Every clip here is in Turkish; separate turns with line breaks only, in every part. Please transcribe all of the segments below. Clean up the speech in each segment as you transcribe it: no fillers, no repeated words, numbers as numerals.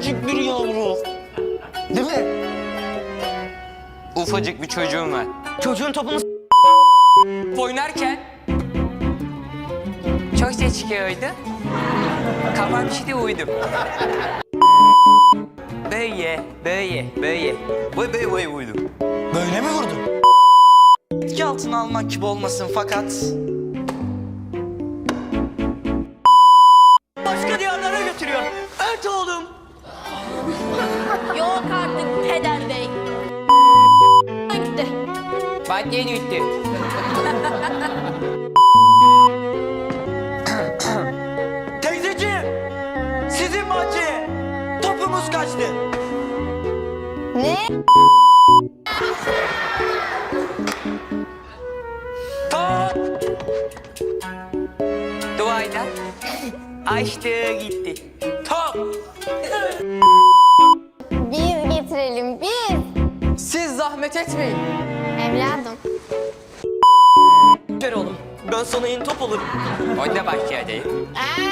ufacık bir yavru. Değil mi?
Ufacık bir çocuğum var.
Çocuğun topunu
Oynarken çok ses çıkıyordu. Kafam şimdi uyudum. Böyle uyudum.
böyle mi vurdu? Etki altına almak gibi olmasın fakat... Başka diyarlara götürüyor. Evet oğlum.
Yok artık peder bey. Gitti.
Bahçeye gitti.
Teyzeciğim. Sizin bahçeye. Topumuz kaçtı.
Ne?
Top! Duayla açtı gitti. Top!
Biz getirelim biz.
Siz zahmet etmeyin.
Evladım.
Ver oğlum. Ben sana yeni top olurum.
Onda bahçedeyim.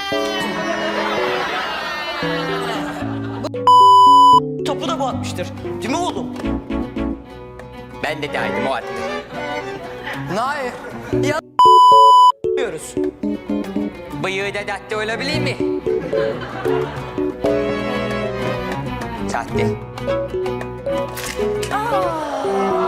Topu da bu atmıştır. Değil mi oğlum?
Ben de dahildim o attı.
Nail. Ya diyoruz.
Bıyığı da datte olabilir mi? Sahte.